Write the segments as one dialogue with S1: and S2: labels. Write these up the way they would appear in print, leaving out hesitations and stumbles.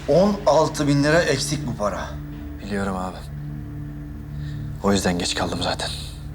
S1: 16.000 lira eksik bu para.
S2: Biliyorum abi. O yüzden geç kaldım zaten.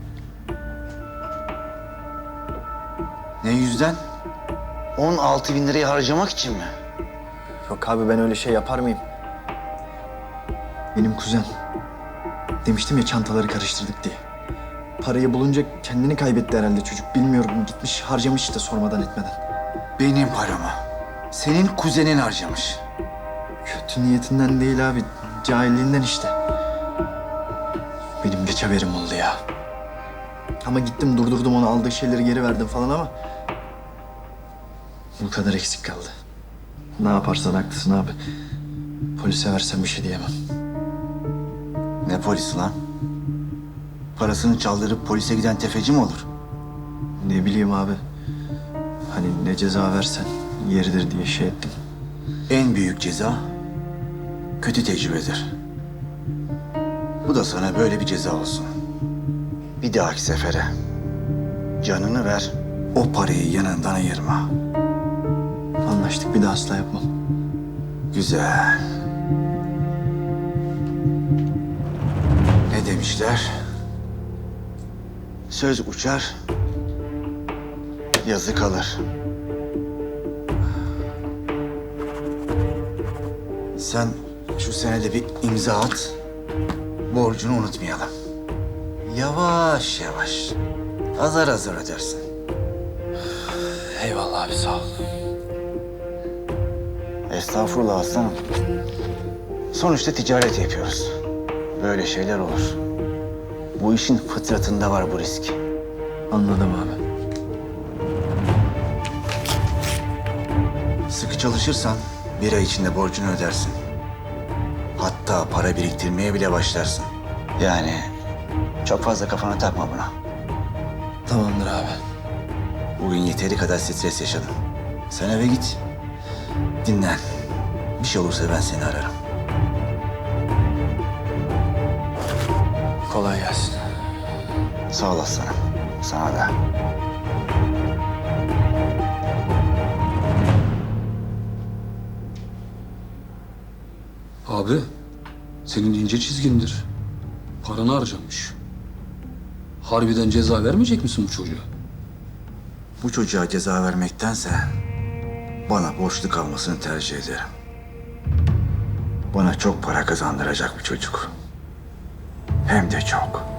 S1: Ne yüzden? 16.000 lirayı harcamak için mi?
S2: Yok abi, ben öyle şey yapar mıyım? Benim kuzen. Demiştim ya, çantaları karıştırdık diye. Parayı bulunca kendini kaybetti herhalde çocuk. Bilmiyorum, gitmiş harcamış işte sormadan etmeden.
S1: Benim paramı. Senin kuzenin harcamış.
S2: Kötü niyetinden değil abi, cahilliğinden işte. Benim geç haberim oldu ya. Ama gittim durdurdum onu, aldığı şeyleri geri verdim falan ama... bu kadar eksik kaldı. Ne yaparsan haklısın abi. Polise versen bir şey diyemem.
S1: Ne polisi lan? Parasını çaldırıp polise giden tefeci mi olur?
S2: Ne bileyim abi. Hani ne ceza versen yeridir diye şey ettim.
S1: En büyük ceza kötü tecrübedir. Bu da sana böyle bir ceza olsun. Bir dahaki sefere canını ver, o parayı yanından ayırma.
S2: Anlaştık, bir daha asla yapmam.
S1: Güzel. Ne demişler? Söz uçar, yazı kalır. Sen şu senede bir imza at, borcunu unutmayalım. Yavaş yavaş, azar azar ödersin.
S2: Eyvallah abi, sağ ol.
S1: Estağfurullah aslanım. Sonuçta ticaret yapıyoruz. Böyle şeyler olur. Bu işin fıtratında var bu risk.
S2: Anladım abi.
S1: Sıkı çalışırsan bir ay içinde borcunu ödersin. Hatta para biriktirmeye bile başlarsın. Yani çok fazla kafana takma buna.
S2: Tamamdır abi.
S1: Bugün yeteri kadar stres yaşadın. Sen eve git. Dinlen. Bir şey olursa ben seni ararım.
S2: Kolay gelsin.
S1: Sağ ol aslanım. Sana da.
S3: Abi, senin ince çizgindir. Paranı harcamış. Harbiden ceza vermeyecek misin bu çocuğa?
S1: Bu çocuğa ceza vermektense bana borçlu kalmasını tercih ederim. Bana çok para kazandıracak bir çocuk. Hem de çok.